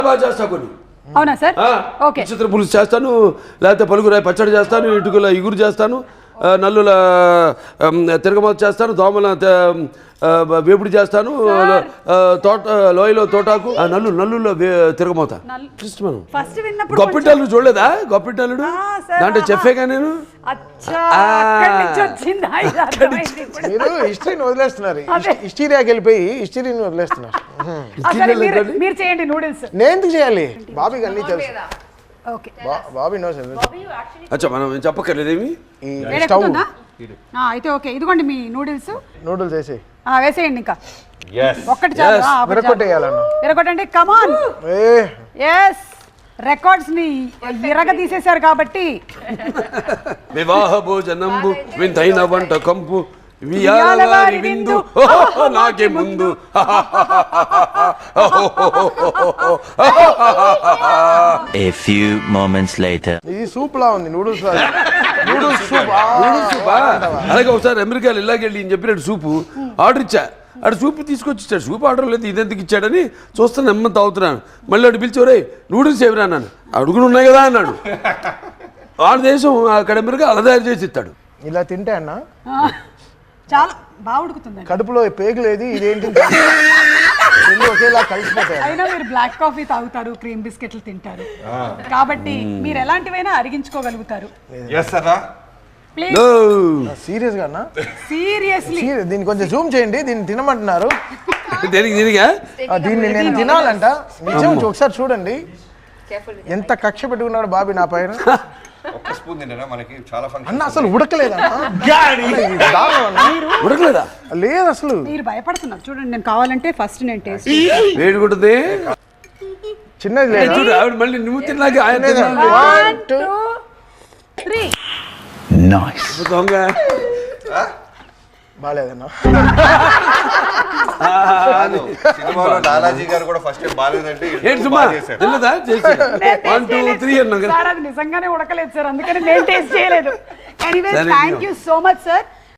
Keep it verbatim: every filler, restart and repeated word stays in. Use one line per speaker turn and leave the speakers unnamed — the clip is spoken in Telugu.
బాగా చేస్తా కొన్ని.
అవునా సార్? ఓకే.
చిత్ర పులుసు చేస్తాను, లేకపోతే పలుగురాయి పచ్చడి చేస్తాను, ఇటుకల ఇగురు చేస్తాను, నల్లుల తిరగమాత చేస్తాను, దోమల వేపుడు చేస్తాను, తోట లోయలో తోటాకు నల్లు నల్లులో తిరగమాత. గొప్పిటల్లుడు చూడలేదా? గొప్పిటల్లుడు దాంట్లో చెప్పేగా నేను.
మీరు హిస్టరీని వదిలేస్తున్నారు, హిస్టరీకి వెళ్ళిపోయి హిస్టరీని వదిలేస్తున్నారు.
మీరు చేయండి నూడిల్స్.
నేను ఎందుకు చేయాలి? బాబీకి అన్నీ తెలుసు. Bobby no sir.
అచ్చా మనం చెప్పక్కర్లేదేమి.
అయితే ఓకే, ఇదిగోండి మీ నూడిల్స్.
నూడిల్స్ వేసి
వేసేయండి. ఇంకా ఒక్కటి చాలు.
విరగొట్టేయాలన్నా,
విరగొట్టండి. కమాన్. ఎస్, రికార్డ్స్ ని విరగ తీసేశారు కాబట్టి.
వివాహ భోజనంబు వింతైన వంట కంపు విందు నాకే ముందు.
A few moments later.
ఇది సూప్ లా ఉంది. Noodles noodles soup.
నూడిల్స్ సూపా? అలాగే ఒకసారి అమెరికాలో ఇలాగెళ్ళి ఈయన చెప్పినట్టు సూపు ఆర్డర్ ఇచ్చా. అటు సూపు తీసుకొచ్చి ఇచ్చాడు. సూప్ ఆర్డర్ లేదు, ఇదెందుకు ఇచ్చాడని చూస్తాను, నెమ్మది తాగుతున్నాను. మళ్ళీ అటు పిలిచేవరే నూడిల్స్ ఏమిరా అన్నాను. అడుగులు ఉన్నాయి కదా అన్నాడు. ఆడ దేశం అక్కడ అమెరికా అలా తయారు చేసి ఇస్తాడు.
ఇలా తింటే అన్న
చాలా బాగా ఉడుకుతుంది.
కడుపులో పేగు లేదు, ఇదేంటి ఒకేలా కలిసిపోతాయి.
అయినా మీరు బ్లాక్ కాఫీ తాగుతారు, క్రీమ్ బిస్కెట్లు తింటారు కాబట్టి మీరు ఎలాంటివైనా అరిగించుకోగలుగుతారు.
సీరియస్ గా అన్న?
సీరియస్లీ.
దీన్ని కొంచెం జూమ్ చేయండి. దీన్ని తినమంటున్నారు.
దేనికి దీనిగా?
దీన్ని నేను తినాలంట. నిజం ఒకసారి చూడండి ఎంత కక్ష పెట్టుకున్నాడు బాబీ నా పైన. అన్న అసలు ఉడకలేదా?
ఉడకలేదా?
లేదు అసలు.
మీరు భయపడుతున్నారు చూడండి. నేను కావాలంటే ఫస్ట్ నేను టేస్ట్
వేడుకుంటుంది.
చిన్నది లేదు
చూడు ఆవిడ మళ్ళీ నువ్వు తిన్నాక ఆయన దొంగ
బాగాలేదన్నా.
నిజంగానే ఉడకలేదు సార్, అందుకని నేను టేస్ట్ చేయలేదు. Anyway thank you so much sir.